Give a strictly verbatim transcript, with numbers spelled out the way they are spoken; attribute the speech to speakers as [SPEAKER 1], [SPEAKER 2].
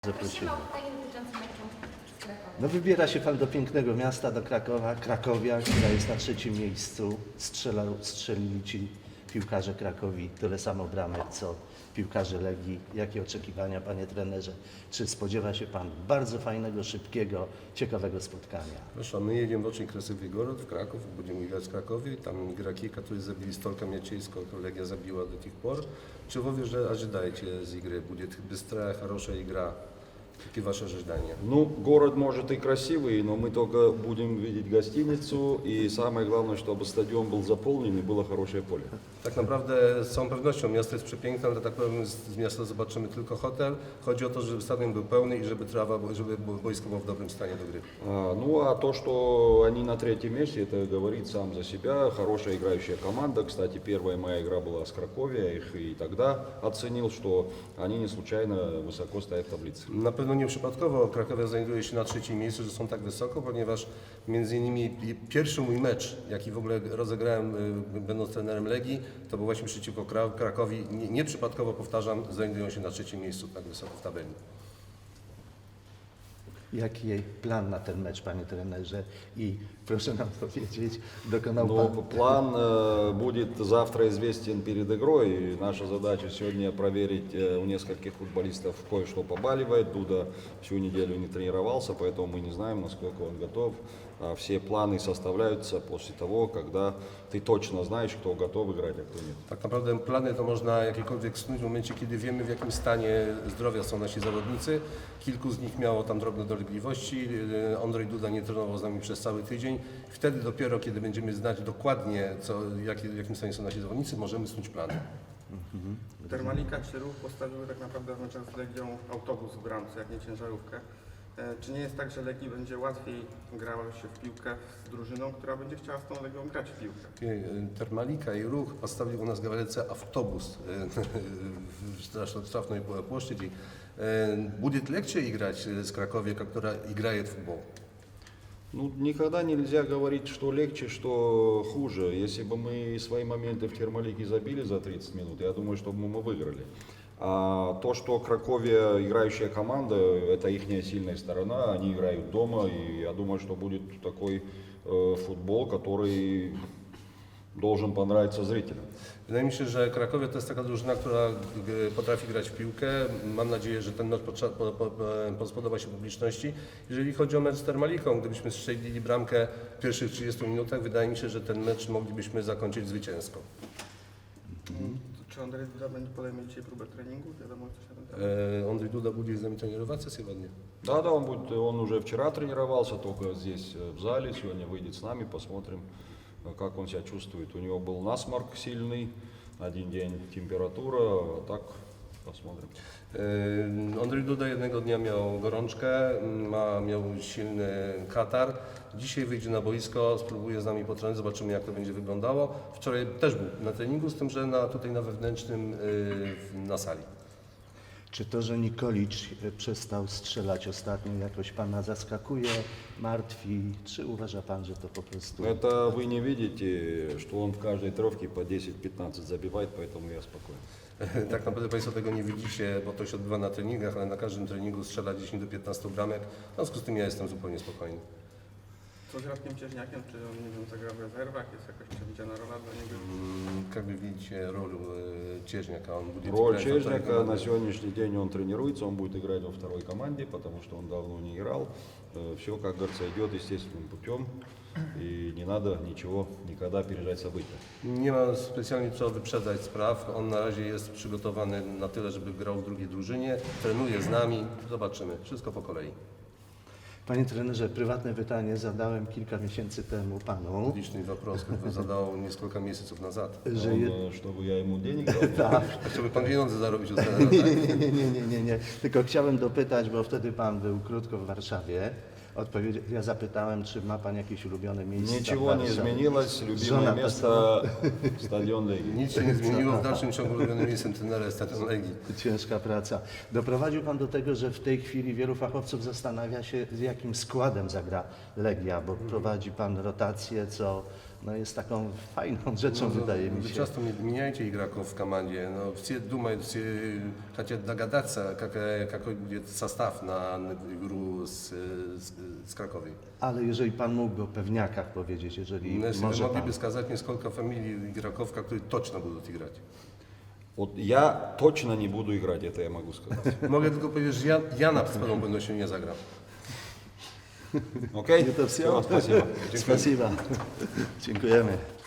[SPEAKER 1] Zaprosimy.
[SPEAKER 2] Prosimy o pytanie dotyczące meczu z Krakowem.
[SPEAKER 1] No wybiera się Pan do pięknego miasta, do Krakowa, Krakowia, która jest na trzecim miejscu. Strzela, strzelili Ci piłkarze Krakowi tyle samo bramek, co piłkarze Legii. Jakie oczekiwania, Panie trenerze? Czy spodziewa się Pan bardzo fajnego, szybkiego, ciekawego spotkania?
[SPEAKER 3] Хорошо, мы едем в очень красивый город, в Краков, будем играть в Кракове. Там игроки, которые забили столько мячей, сколько Легия забила до тех пор. Чего вы же ожидаете из игры? Будет быстрая, хорошая игра? Какие ваши ожидания?
[SPEAKER 4] Ну, город может и красивый, но мы только будем видеть гостиницу, и самое главное, чтобы стадион был заполнен и было хорошее поле.
[SPEAKER 3] Tak naprawdę z całą pewnością miasto jest przepiękne, ale tak powiem z z miasta zobaczymy tylko hotel. Chodzi o to, żeby stadion był pełny i żeby trawa, żeby boisko było w dobrym stanie do gry.
[SPEAKER 4] А, ну, а то, что они на третьем месте, это говорит сам за себя. Хорошая играющая команда. Кстати, первая моя игра была с Краковия, я их и тогда оценил, что они не случайно высоко стоят в таблице.
[SPEAKER 3] Na pewno nie przypadkowo Krakowia znajduje się na trzecim miejscu, że są tak wysoko, ponieważ między innymi pierwszy mój mecz, jaki w ogóle rozegrałem y, będąc trenerem Legii, to był właśnie przeciwko Kra- Krakowi. Nie, nie przypadkowo, powtarzam, znajdują się na trzecim miejscu tak wysoko w tabeli.
[SPEAKER 1] Jaki jej plan na ten mecz, Panie trenerze? I proszę nam powiedzieć, dokonał
[SPEAKER 4] Но
[SPEAKER 1] Pan...
[SPEAKER 4] план э, будет завтра известен перед игрой. И наша задача сегодня проверить э, у нескольких футболистов кое-что побаливает. Дуда всю неделю не тренировался, поэтому мы не знаем, насколько он готов. А все планы составляются после того, когда ты точно знаешь, кто готов играть, а кто нет.
[SPEAKER 3] Tak naprawdę plany to można jakiekolwiek snuć w momencie, kiedy wiemy, w jakim stanie zdrowia są nasi zawodnicy. Kilku z nich miało tam drobne dolegliwości. Yy, Andrzej Duda nie trenował z nami przez cały tydzień. Wtedy dopiero, kiedy będziemy znać dokładnie, co, jakie, w jakim stanie są nasi zawodnicy, możemy snuć plany.
[SPEAKER 5] Termalika czy Ruch postawiły tak naprawdę w meczach z Legią autobus w bramce, jak nie ciężarówkę. E, Czy nie jest tak, że Legii będzie łatwiej grało się w piłkę z drużyną, która będzie chciała z tą Legią grać w piłkę?
[SPEAKER 3] Yy, Termalika i Ruch поставили у нас, говорится, автобус в штрафной площади. Будет легче играть с Краковьей, которая играет в футбол?
[SPEAKER 4] Ну, никогда нельзя говорить, что легче, что хуже. Если бы мы свои моменты в Термалике забили за тридцать минут, я думаю, что бы мы выиграли. А то, что Краковья играющая команда, это их сильная сторона, они играют дома, и я думаю, что будет такой э, футбол, который должен понравиться зрителям.
[SPEAKER 3] Wydaje mi się, że Krakowia to jest taka drużyna, która g- potrafi grać w piłkę. Mam nadzieję, że ten mecz potrza- po, po, po, spodoba się publiczności. Jeżeli chodzi o mecz z Termaliką, gdybyśmy strzelili bramkę w pierwszych trzydziestu minutach, wydaje mi się, że ten mecz moglibyśmy zakończyć zwycięsko.
[SPEAKER 5] Czy Andrzej Duda będzie podejmie dzisiaj próbę treningu? Wiadomo coś na ten temat?
[SPEAKER 3] E, Andrzej Duda будет z nami тренироваться сегодня?
[SPEAKER 4] Да, да, он будет, он уже вчера тренировался, только здесь э, в зале, сегодня выйдет с нами, посмотрим, э, как он себя чувствует. У него был насморк сильный, один день температура, а так посмотрим.
[SPEAKER 3] E, Andrzej Duda jednego dnia miał gorączkę, ma, miał silny katar. Dzisiaj wyjdzie na boisko, spróbuje z nami potrenować, zobaczymy, jak to będzie wyglądało. Wczoraj też był na treningu, z tym, że na, tutaj na wewnętrznym, y, na sali.
[SPEAKER 1] Czy to, że Nikolicz e, przestał strzelać ostatnio, jakoś Pana zaskakuje, martwi? Czy uważa Pan, że to po prostu...
[SPEAKER 4] Это вы не видите, что он в каждой трёхке по десять-пятнадцать забивает, поэтому я спокоен.
[SPEAKER 3] Tak naprawdę Państwo tego nie widzicie, bo to się odbywa na treningach, ale na każdym treningu strzela dziesięć do piętnastu bramek. W związku z tym ja jestem zupełnie spokojny.
[SPEAKER 5] Co z Radkiem Cieżniakiem? Czy on, nie wiem, zagra w rezerwach? Jest jakaś przewidziana rola dla niego?
[SPEAKER 3] Mm, Как вы видите роль э, Чежняка? Он будет
[SPEAKER 4] Роль
[SPEAKER 3] играть во второй
[SPEAKER 4] Чежника
[SPEAKER 3] команде.
[SPEAKER 4] на сегодняшний день он тренируется, он будет играть во второй команде, потому что он давно не играл. Все, как говорится, идет естественным путем, и не надо ничего никогда опережать события.
[SPEAKER 3] Nie ma specjalnie co wyprzedzać spraw. On na razie jest przygotowany na tyle, żeby grał w drugiej drużynie. Trenuje z nami. Zobaczymy. Wszystko po kolei.
[SPEAKER 1] Panie trenerze, prywatne pytanie zadałem kilka miesięcy temu Panu.
[SPEAKER 3] Личный вопрос, который задал несколько месяцев назад.
[SPEAKER 1] Że
[SPEAKER 4] Он,
[SPEAKER 1] je...
[SPEAKER 4] э, чтобы я ему денег дал.
[SPEAKER 1] tak.
[SPEAKER 3] Chciałby pan pieniądze zarobić od trenera,
[SPEAKER 1] Nie,
[SPEAKER 3] tak?
[SPEAKER 1] nie, nie, nie, nie, nie, nie. Tylko chciałem dopytać, bo wtedy Pan był krótko w Warszawie. Odpowiedź... Ja zapytałem, czy ma Pan jakieś ulubione miejsce
[SPEAKER 4] Ничего
[SPEAKER 1] w
[SPEAKER 4] не
[SPEAKER 1] Warszawie.
[SPEAKER 4] изменилось, любимое
[SPEAKER 1] Żona
[SPEAKER 4] место стадион Легии.
[SPEAKER 3] Nic się nie zmieniło. W dalszym ciągu ulubionym miejscem trenera jest stadion Legii.
[SPEAKER 1] Ciężka praca. Doprowadził Pan do tego, że w tej chwili wielu fachowców zastanawia się, z jakim składem zagra Legia, bo prowadzi Pan rotację co no jest taką fajną rzeczą, wydaje mi
[SPEAKER 3] Вы
[SPEAKER 1] się.
[SPEAKER 3] часто меняете игроков в команде, но все думают, все хотят догадаться, какая, какой будет состав на, на игру с, с, с Краковой.
[SPEAKER 1] Ale jeżeli Pan mógłby o pewniakach powiedzieć, jeżeli
[SPEAKER 3] Но если вы
[SPEAKER 1] może
[SPEAKER 3] могли
[SPEAKER 1] Pan.
[SPEAKER 3] бы сказать несколько фамилий игроков, которые точно будут играть.
[SPEAKER 4] Вот я точно не буду играть, это я могу сказать.
[SPEAKER 3] Mogę tylko powiedzieć, że ja, ja na pewną pewnością nie zagram.
[SPEAKER 4] Окей?
[SPEAKER 1] Это всё.
[SPEAKER 4] Всё, спасибо.
[SPEAKER 1] Spasiba. Dziękujemy.